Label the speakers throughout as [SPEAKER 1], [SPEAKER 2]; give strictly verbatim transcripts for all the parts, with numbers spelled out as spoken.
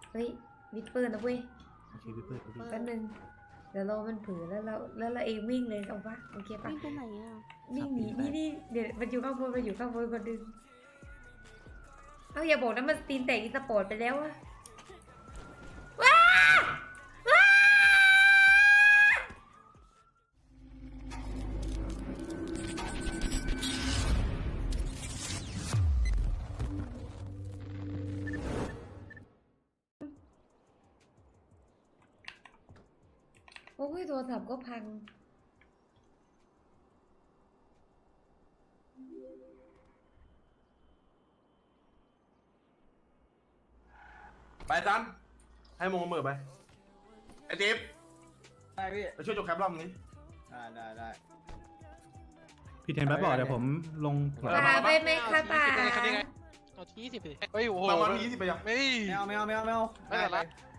[SPEAKER 1] เฮ้ยวิดปืนนะเว้ย
[SPEAKER 2] โอเคพี่เปิดพี่
[SPEAKER 1] แป๊บนึงเดี๋ยวเรามันเผือแล้วเราแล้วเราเองวิ่งเลยเอาปะโอเคปะ
[SPEAKER 3] วิ่งไปไหนอ่ะ
[SPEAKER 1] วิ่งหนีนี่นี่เดี๋ยวมันอยู่ข้างบนมันอยู่ข้างบนคนดึงเอาอย่าบอกนะมันตีนแตกอีสปอร์ตไปแล้วอะว้าว้าโอ้ยโทรศัพท์ก็พัง
[SPEAKER 4] ไปซันให้มงมือไปไอ้จิ๊บ
[SPEAKER 5] ได้พี่
[SPEAKER 4] ไปช่วยจบแคปรอบนี้
[SPEAKER 5] ได้ได้ได้
[SPEAKER 2] พี่เทนแป๊บบอกเดี๋ยวผมลง
[SPEAKER 1] ป่าไปไหมคะป่า
[SPEAKER 6] เอาที่ยี่สิบสิเฮ้ยโอ้โห
[SPEAKER 4] บางวันมียี่สิบไปยัง
[SPEAKER 6] ไม่
[SPEAKER 5] ไม่เอาไม่เอาไม่เอาไม่เอา
[SPEAKER 6] ไม่เป็นไร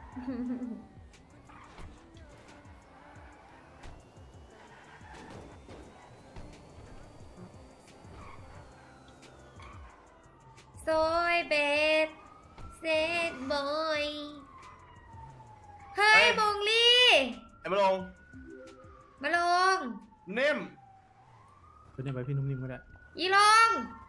[SPEAKER 1] โซยเบสเซตบอยเฮ้ยมงลี่
[SPEAKER 4] ไอ้มาลง
[SPEAKER 1] มาลง
[SPEAKER 4] เนิ่ม
[SPEAKER 2] เป็นยังไงพี่นุ่มนิ่มก็ได้
[SPEAKER 1] อีลง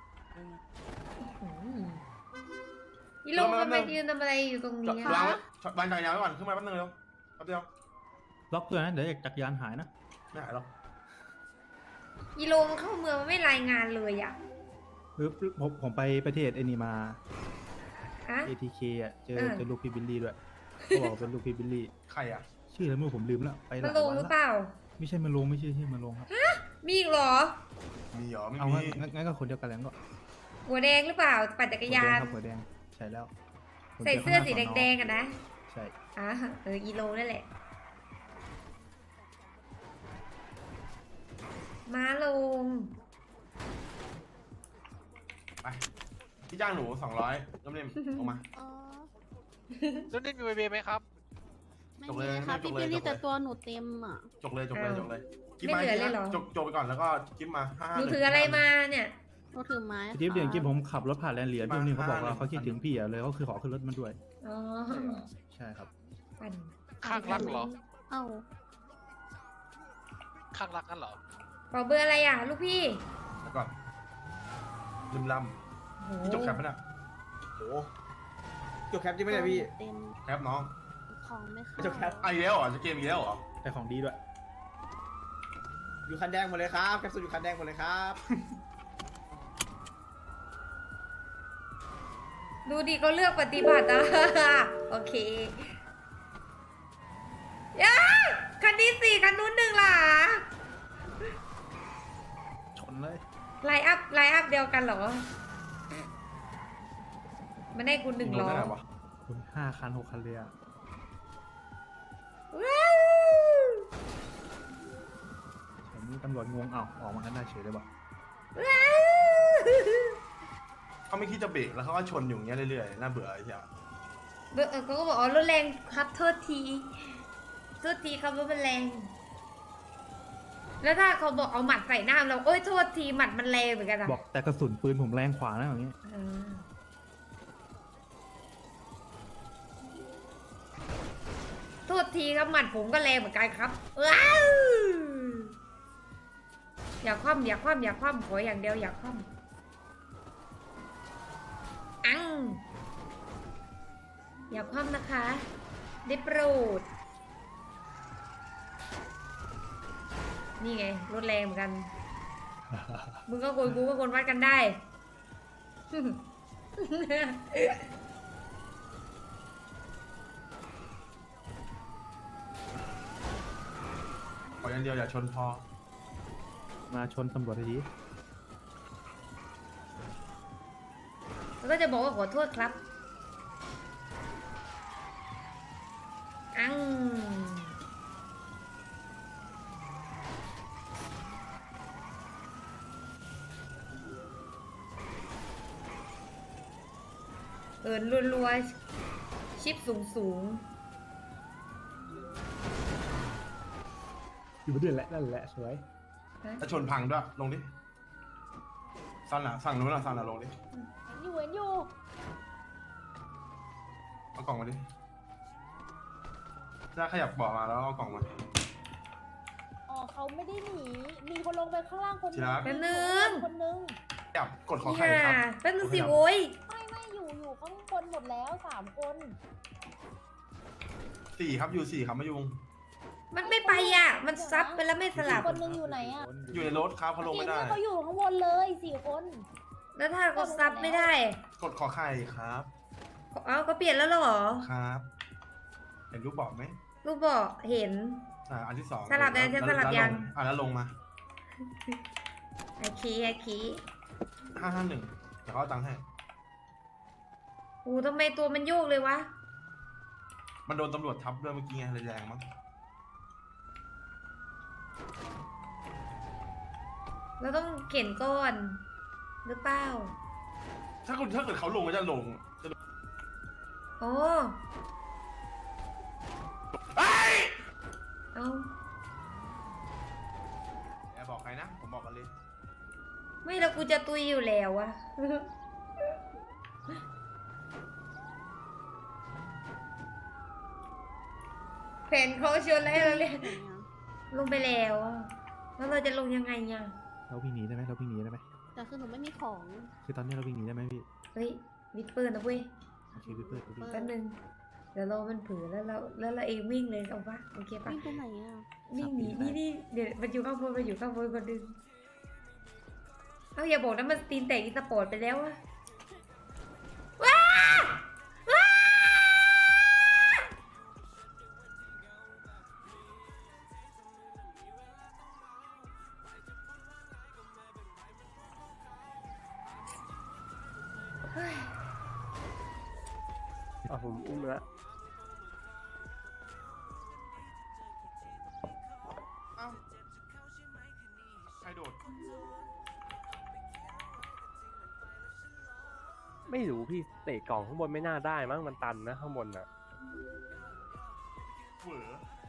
[SPEAKER 1] อีลงทำไมยืนทำอะไรอยู่ตรงนี้
[SPEAKER 4] วาง
[SPEAKER 1] อะ
[SPEAKER 4] ไว้วางจักรยานไว้ก่อนขึ้นมาแป๊บนึงเร็วแป๊บเดียว
[SPEAKER 2] ล็อกเพื่อนนะเดี๋ยวจักรยานหายนะ
[SPEAKER 4] ไม่หายหรอก
[SPEAKER 1] อีลงเข้าเมืองมันไม่รายงานเลยอ่ะ
[SPEAKER 2] ปึ๊บผมผมไปประเทศไอ้นี่มา
[SPEAKER 1] ฮะ
[SPEAKER 2] เอ ที เค อ่ะเจอ
[SPEAKER 1] เออ
[SPEAKER 2] เจอลูกพี่บิลลี่ด้วยเขาบอกว่าเป็นลูกพี่บิลลี่
[SPEAKER 4] ใครอ่ะ
[SPEAKER 2] ชื่ออะไรไม่รู้ผมลืมแล้วไปห
[SPEAKER 1] มา
[SPEAKER 2] ลาย
[SPEAKER 1] ลง
[SPEAKER 2] วัน
[SPEAKER 1] หรือ
[SPEAKER 2] ละ
[SPEAKER 1] เปล่า
[SPEAKER 2] ไม่ใช่มาลงไม่ใช่ชื่อมาลงครับ
[SPEAKER 1] มีอีกเหรอ
[SPEAKER 4] มีเหรอไม่
[SPEAKER 2] เอา
[SPEAKER 4] มี
[SPEAKER 2] งั้นงั้นก็คนเดียวกันแล้วก็
[SPEAKER 1] หัวแดงหรือเปล่า ปั่นจักรยาน
[SPEAKER 2] หัวแดงครับหัวแดงใช่แล้วผม
[SPEAKER 1] ใส่
[SPEAKER 2] จ
[SPEAKER 1] เสื้อสี
[SPEAKER 2] ข้างหน้า
[SPEAKER 1] แดงๆกันนะ
[SPEAKER 2] ใช่
[SPEAKER 1] อ่ะเอออีโลนั่นแหละ มาลง
[SPEAKER 4] ไปที่จ้างหนูสองร้อยน้ำเนิ่มลงมา
[SPEAKER 3] อ๋อ
[SPEAKER 6] แล้วนี่มีเบบีไหมครับ
[SPEAKER 3] ไม่
[SPEAKER 4] จบเล
[SPEAKER 3] มี
[SPEAKER 4] ย
[SPEAKER 3] ค่ะ
[SPEAKER 4] จ
[SPEAKER 3] พี่
[SPEAKER 4] บเลย
[SPEAKER 3] บิลลี่
[SPEAKER 4] จบเลย
[SPEAKER 3] แต่ตัวหนูเต็มอ่ะ
[SPEAKER 4] จกเลยจกเลย
[SPEAKER 1] อ้าว
[SPEAKER 4] จกเลยกิ๊บ
[SPEAKER 1] ไม่
[SPEAKER 4] มา
[SPEAKER 1] เหลือเลยเหรอ
[SPEAKER 4] จกจกไปก่อนแล้วก็กิ๊บมาห้า
[SPEAKER 1] หนูถืออะไรมาเนี่ย
[SPEAKER 3] หนูถือไม้
[SPEAKER 2] จิ๊บเดี๋ยวจิ๊บ
[SPEAKER 3] ค่ะ
[SPEAKER 2] ผมขับรถผ่านแลนด์เหลียพี่นุ่มนิ่มเขาบอกว่าเขาคิดถึงพี่อ่ะเลยเขาคือขอขึ้นรถมันด้วย
[SPEAKER 1] อ๋อ
[SPEAKER 2] ใช่ครับ
[SPEAKER 1] ปั่น
[SPEAKER 6] ข้างรักเหรอ
[SPEAKER 3] เอ้า
[SPEAKER 6] ข้างรักกันเหรอ
[SPEAKER 1] เป่าเบอร์อะไรอ่ะ ลูกพี่
[SPEAKER 4] แล้วก่อนลืมล
[SPEAKER 1] โห
[SPEAKER 4] ำพี่จกแคปปะเนี่ยโอ้
[SPEAKER 5] จบแคปจริงไหมเนี่ยพี่
[SPEAKER 3] เต็ม
[SPEAKER 4] แคปน้อง
[SPEAKER 3] ของไม่เข้า
[SPEAKER 5] ไม่จบแคป
[SPEAKER 4] อ่ะอีกแล้วเหรอจะเกมอีกแล้วเหรอ
[SPEAKER 2] แต่ของดีด้วย
[SPEAKER 5] อยู่คันแดงหมดเลยครับแคปซูลอยู่คันแดงหมดเลยครับ
[SPEAKER 1] ดูดิเขาเลือกปฏิบัติอ่ะ โอเคย้าคันนี้สี่คันนู้นหนึ่งล่ะ
[SPEAKER 2] ชนเลย
[SPEAKER 1] ไลน์อัพไลน์อัพเดียวกันเหรอ มันได้คุณหนึ่ง
[SPEAKER 4] ล
[SPEAKER 1] ล้อ
[SPEAKER 4] ได้ไวะ
[SPEAKER 2] คุณห้าคันหกคันเลยอ่ะ
[SPEAKER 1] ว้าว
[SPEAKER 2] แต่นี่ตำรวจงงเอ้าออกมากันได้เฉยเลยว่ะ
[SPEAKER 1] ว้าว
[SPEAKER 4] เขาไม่คิดจะเบรกแล้วเขาก็ชนอยู่อย่างเงี้ยเรื่อยๆน่าเบื่อไอ้เหี้ย
[SPEAKER 1] เบอร์เออเขาก็บอกอ๋อรถแรงครับโทษทีโทษทีครับรถมันแรง แล้วถ้าเขาบอกเอาหมัดใส่หน้าเราโอ้ยโทษทีหมัดมันแรงเหมือนกันอะ
[SPEAKER 2] บอกแต่กระสุนปืนผมแรงขวานะอย่างเงี้ย
[SPEAKER 1] อ่าโทษทีครับหมัดผมก็แรงเหมือนกันครับว้าวอย่าคว่ำอย่าคว่ำอย่าคว่ำขออย่างเดียวอย่าคว่ำอังอย่าคว่ำนะคะได้โปรดนี่ไงรถแรงเหมือนกัน มึงก็คนกูก็คนวัดกันได้
[SPEAKER 4] ขออย่างเดียวอย่าชนพอ
[SPEAKER 2] มาชนตำรวจที
[SPEAKER 1] แล้วก็จะบอกว่าขอโทษครับ อังเอินรัวๆชิปสูงสูง
[SPEAKER 2] อยู่เดือนแหละนั่นแหละสวย
[SPEAKER 1] ๆฮะ
[SPEAKER 4] ถ้าชนพังด้วยลงดิซันอ่ะสั่งนู้นอ่ะสั่งอ่ะลงดิ
[SPEAKER 3] อยู่เห็นอยู่
[SPEAKER 4] เอากล่องมาดิจะขยับเบาะมาแล้วเอากล่องมา
[SPEAKER 7] อ๋อเขาไม่ได้หนี มีคนลงไปข้างล่างคน
[SPEAKER 4] ทีรัก
[SPEAKER 1] แป๊บนึง
[SPEAKER 7] คนนึง
[SPEAKER 4] ขยับกดขอ
[SPEAKER 1] นี่
[SPEAKER 4] ไข่ครับ
[SPEAKER 1] ค่ะแป๊บนึงสิโว้ย
[SPEAKER 7] ไม่ไม่อยู่อยู่ข้างบนหมดแล้วสามคน
[SPEAKER 4] สี่ครับอยู่สี่ครับมายุง
[SPEAKER 1] มันไม่ไปอ่ะ มันซับไปแล้วไม่สลับ
[SPEAKER 7] คนนึงอยู่ไหนอ่ะ
[SPEAKER 4] อยู่ในรถครับเขาลงไม่ได้
[SPEAKER 7] เนี่ยเขาอยู่ข้างบนเลยสี่คน
[SPEAKER 1] แล้วถ้าเขาซับไม่ได้
[SPEAKER 4] กดขอไข่ครับ
[SPEAKER 1] เอ้าก็เปลี่ยนแล้วเหรอ
[SPEAKER 4] ครับเห็นรูปบอกไหม
[SPEAKER 1] ลูกบอกเห็น
[SPEAKER 4] อ่าอันที่สอง
[SPEAKER 1] สลับยัง
[SPEAKER 4] แว
[SPEAKER 1] สลับยัง
[SPEAKER 4] แวลอ่ะแล้วลงมา
[SPEAKER 1] ไอคีไอคี
[SPEAKER 4] ห้าห้าหนึ่งเดี๋ยวเขาเอาตังค์ให้
[SPEAKER 1] อูทำไมตัวมันโยกเลยวะ
[SPEAKER 4] มันโดนตำรวจทับด้วยเมื่อกี้ไงเลยแรงมั้ง
[SPEAKER 1] เราต้องเข็นก้อน หรือเปล่า
[SPEAKER 4] ถ้าคุณถ้าเกิดเขาลงก็จะลงจะลง
[SPEAKER 1] โอ้
[SPEAKER 4] เอ้ย
[SPEAKER 1] เอา
[SPEAKER 4] อย่าบอกใครนะผมบอกกันเลย
[SPEAKER 1] ไม่แล้วกูจะตุยอยู่แล้วอะ แผนเขาชวนแล้วเราเลยลงไปแล้วอะแล้วเราจะลงยังไงอะ
[SPEAKER 2] เราวิ่งหนีได้ไหมเราวิ่งหนีได้ไหม
[SPEAKER 3] แต่คือหนูไม่มีของ
[SPEAKER 2] คือตอนนี้เราวิ่งหนีได้ไหมพี่
[SPEAKER 1] เฮ้ยวิดปืนนะเว้ย
[SPEAKER 2] โอเคพี่เปิดพี่
[SPEAKER 1] แป๊บนึงเดี๋ยวเรามันเผือแล้วเราแล้วเราเองวิ่งเลยเอาปะโอเคปะ
[SPEAKER 3] วิ่งไปไหนอ่ะ
[SPEAKER 1] วิ่งหนีนี่นี่เดี๋ยวมันอยู่ข้างบนมันอยู่ข้างบนคนดึงเอาอย่าบอกนะมันตีนแตกอีสปอร์ตไปแล้วอะว้าว้า
[SPEAKER 8] อ่ะผมอุ้มแล้ว
[SPEAKER 4] เอ้าใครโดด
[SPEAKER 8] ไม่รู้พี่เตะกล่องข้างบนไม่น่าได้มั้งมันตันนะข้างบนอ่ะ
[SPEAKER 4] เหวอ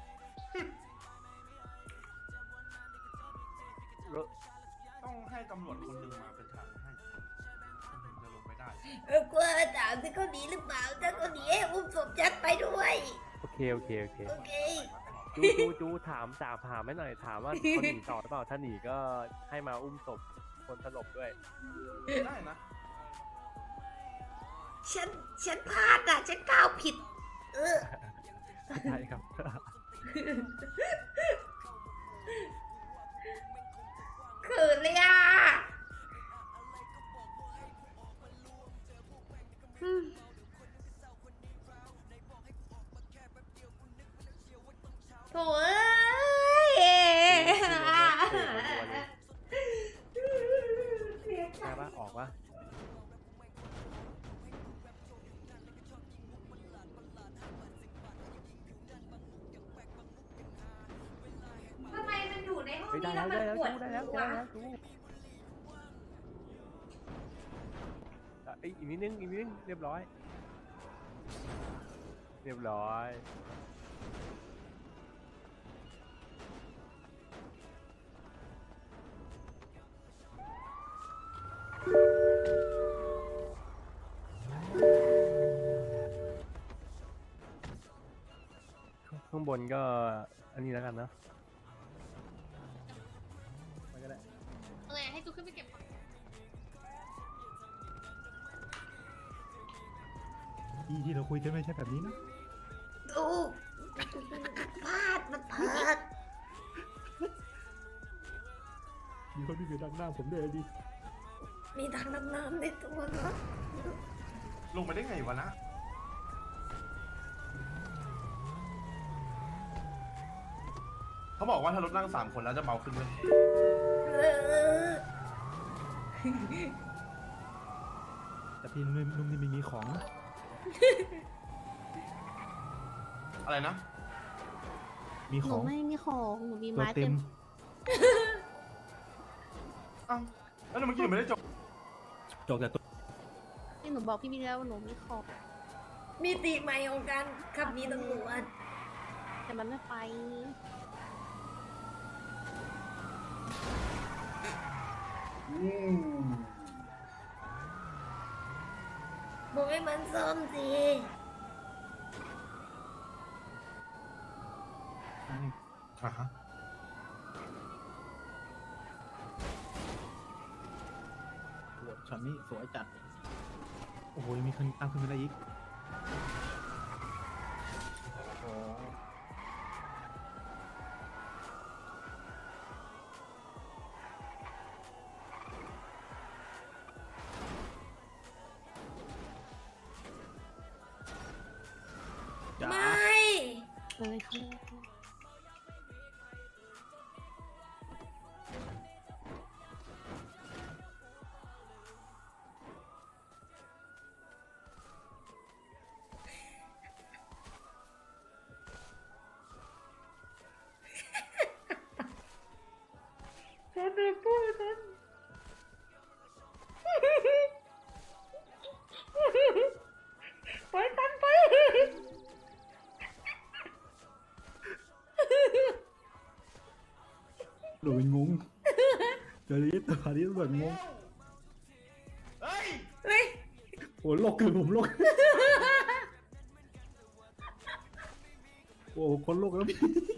[SPEAKER 8] แล้ว
[SPEAKER 4] ต้องให้ตำรวจคนหนึ่งมาเป็นทางให้ถึงจะลงไปได้
[SPEAKER 1] เออกลัวถามที่เขาหนีหรือเปล่าถ้าเขาหนีให้อุ้มศพยัดไปด้วย
[SPEAKER 8] โอเคโอเคโอเค
[SPEAKER 1] โอเค
[SPEAKER 8] จูจูจูถามจ่าถามไม่หน่อยถามว่าเขาหนีต่อหรือเปล่าถ้าหนีก็ให้มาอุ้มศพคนสลบด้วย
[SPEAKER 4] ได้นะ
[SPEAKER 1] ฉันฉันพลาดอ่ะฉันก้าวผิด เออ
[SPEAKER 8] ใช่ครับ
[SPEAKER 1] เขินเลยอ่ะอืมโถ่เอ้ย
[SPEAKER 8] ใช่ปะออกปะ
[SPEAKER 1] ทำไมมันอยู่ในห้อง
[SPEAKER 8] เฮ้ย
[SPEAKER 1] นี้
[SPEAKER 8] ได้
[SPEAKER 1] แล้
[SPEAKER 8] แล้ว ว
[SPEAKER 1] มัน
[SPEAKER 8] ได้แล้ว
[SPEAKER 1] ปวด
[SPEAKER 8] จูได้แล้ว
[SPEAKER 1] หั
[SPEAKER 8] ได้
[SPEAKER 1] ว
[SPEAKER 8] แล้วจูอ่ะเอ้ยอีกนิดนึงอีกนิดนึงเรียบร้อย เรียบร้อยข้างบนก็อันนี้แล้วกันเนอะไปก็ได้
[SPEAKER 3] เออให้จูขึ้นไปเก็บของ
[SPEAKER 2] ที่ที่เราคุยกันไม่ใช่แบบนี้นะ
[SPEAKER 1] ดูพลาดมันพลาด
[SPEAKER 2] มีคนที่อยู่ด้านหน้าผมด้วยดิ
[SPEAKER 1] มีทางน้ำน้ำในตัวเนาะ
[SPEAKER 4] ลงไปได้ไงวะนะ เขาบอกว่าถ้ารถนั่งสามคนแล้วจะเบาขึ้นเลย
[SPEAKER 1] เออ
[SPEAKER 2] แต่พี่นุ่มนุ่มนี่ไม่มีของนะ
[SPEAKER 4] อะไรนะ
[SPEAKER 2] มี
[SPEAKER 3] ห
[SPEAKER 2] ข
[SPEAKER 3] นู
[SPEAKER 2] อง
[SPEAKER 3] ไม่มีของหนูมี
[SPEAKER 2] ตัว
[SPEAKER 3] ไม้
[SPEAKER 2] เต็
[SPEAKER 3] เต็
[SPEAKER 2] ม
[SPEAKER 3] ม
[SPEAKER 4] อ้าวแล้วเมื่อกี้หนูไม่ได้จบ
[SPEAKER 2] จบแต่ตัว
[SPEAKER 3] ที่หนูบอกพี่มีแล้วว่าหนูมีของ
[SPEAKER 1] มีตีใหม่ของการขับหนีตำรวจ
[SPEAKER 3] แต่มันไม่ไป
[SPEAKER 1] บอกให้มันซ่อมสิ
[SPEAKER 4] อ่ะฮะ
[SPEAKER 2] โหช็อตนี้สวยจัด โอ้โหยังมีคนตามขึ้นมาได้อีก
[SPEAKER 4] โอ้
[SPEAKER 2] จ้า
[SPEAKER 1] ไม่
[SPEAKER 3] เลยเขาเลย
[SPEAKER 1] ฉันไม่พูดฉันไปฉันไป
[SPEAKER 2] หลุยงงเดี๋ยวนี้ตัวนี้แบบงง
[SPEAKER 4] เฮ้ย
[SPEAKER 1] เฮ้ย
[SPEAKER 2] โอ้โลกคือผมโลก โอ้คนโลกแล้วพี่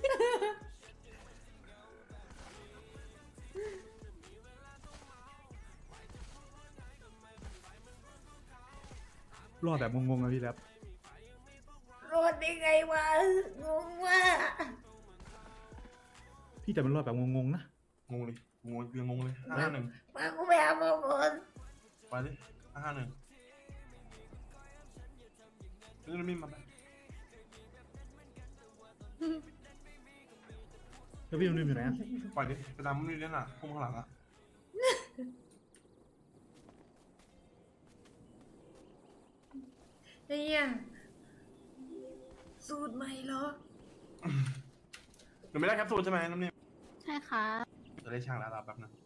[SPEAKER 2] รอดแบบงงๆนะพี่แรป
[SPEAKER 1] รอดได้ไงวะงงว่ะ
[SPEAKER 2] พี่แต่มันรอดแบบงงๆนะ
[SPEAKER 4] งงเลยงงยังงงเลยห้าหนึ่ง
[SPEAKER 1] มากูไปหาหมอก่อน
[SPEAKER 4] ไปดิห้าหนึ่งนี่น้ำนิ่มมาไป
[SPEAKER 2] แล้วพี่นุ่มอยู่ไหนอะ
[SPEAKER 4] ปล่อยดิไปตามมันนี่เล่นอ่ะพุ่งข้างหลังอ่ะ
[SPEAKER 1] ไอ้เหี้ยสูตรใหม่เหรอ
[SPEAKER 4] หนูไม่ได้แคปซูลใช่ไหมน้ำนิ่ม
[SPEAKER 3] ใช่ค่ะ
[SPEAKER 4] จะได้ช่างแล้วรับแป๊บนึง